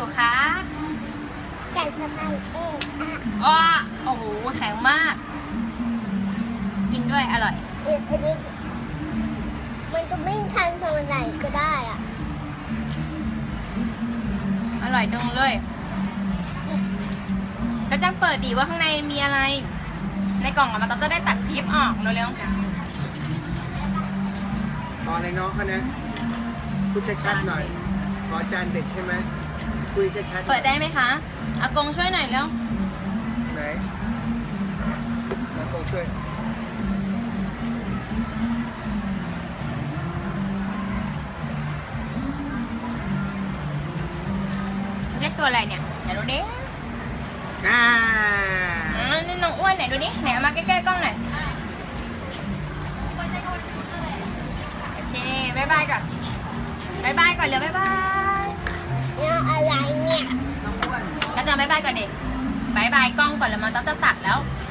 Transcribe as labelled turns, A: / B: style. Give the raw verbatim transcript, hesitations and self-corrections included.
A: คะ
B: ไก่สไปเอ็กอ่ะ
A: อ้อโอ้โหแข็งมาก กินด้วยอร่อย
B: เดี๋ยวอันนี้มันก็ไม่ทันทำอะไรก็ได้อ่ะ
A: อร่อยจังเลยก็จังเปิดดีว่าข้างในมีอะไร ในกล่องอะมันจะได้ตัดคลิปออกเร็ว
C: ตอนในน้องเขานะพูดชัดๆหน่อยขอจานเด็ดใช่ไหมคุยชัด
A: ๆ
C: ๆ
A: เปิดได้ไหมคะอากงช่วยหน่อยเร็ว
C: ไหนแล้วกงช่วย
A: เรียกตัวอะไรเนี่ยไหนดูดิ
C: อ่า
A: อ๋อนี่น้องอ้วนไหนดูดิไหนเอามาใกล้ๆกล้องหน่อยโอเคบายบายก่อนบายบายก่อนเร็วบายบาย
B: เนี่ยอะไรเนี่ย
A: ก็จะบายบายก่อนดิบายบายกล้องก่อนแล้วมันต้องจะตัดแล้ว
B: บ